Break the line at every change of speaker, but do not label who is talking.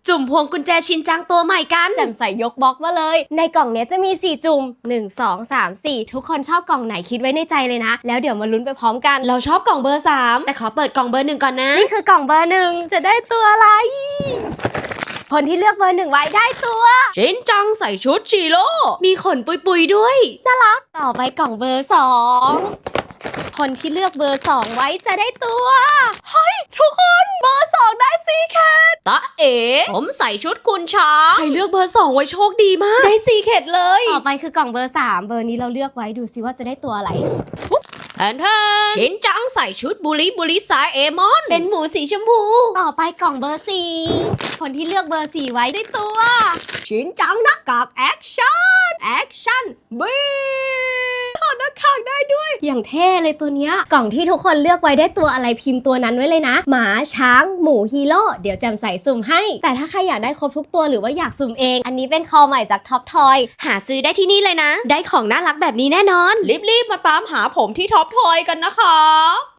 จุ่มพวงกุญแจชินจังตัวใหม่กัน
แจ่มใส่ยกบล็อกมาเลยในกล่องเนี้ยจะมี4จุ่ม1 2 3 4ทุกคนชอบกล่องไหนคิดไว้ในใจเลยนะแล้วเดี๋ยวมาลุ้นไปพร้อมกัน
เราชอบกล่องเบอร์3แต่ขอเปิดกล่องเบอร์1ก่อนนะ
นี่คือกล่องเบอร์1จะได้ตัวอะไรคนที่เลือกเบอร์1ไว้ได้ตัว
ชินจังใส่ชุดชีโร่มีขนปุยๆด้วย
น่ารักต่อไปกล่องเบอร์2คนที่เลือกเบอร์2ไว้จะได้ตัวเฮ้ยทุกคนเบอร์2ได้ซีแคท
ตะเอ๋ผมใส่ชุดคุณช้างใครเลือกเบอร์2ไว้โชคดีมากได้ซีเคทเลย
ต่อไปคือกล่องเบอร์3เบอร์นี้เราเลือกไว้ดูซิว่าจะได้ตัวอะไร
แทนชินจังใส่ชุดบุริสายเอมอนเป็นหมูสีชมพู
ต่อไปกล่องเบอร์4คนที่เลือกเบอร์4ไว้ได้ตัวชินจังหน้ากากแอคชั่นบีถอดหน้ากากได้ด้วยอย่างเท่เลยตัวเนี้ยกล่องที่ทุกคนเลือกไว้ได้ตัวอะไรพิมพ์ตัวนั้นไว้เลยนะหมาช้างหมูฮีโร่เดี๋ยวแจมใส่สุ่มให้แต่ถ้าใครอยากได้ครบทุกตัวหรือว่าอยากสุ่มเองอันนี้เป็นคอใหม่จากท็อปทอย
หาซื้อได้ที่นี่เลยนะได้ของน่ารักแบบนี้แน่นอนรีบๆมาตามหาผมที่ท็อปทอยกันนะคะ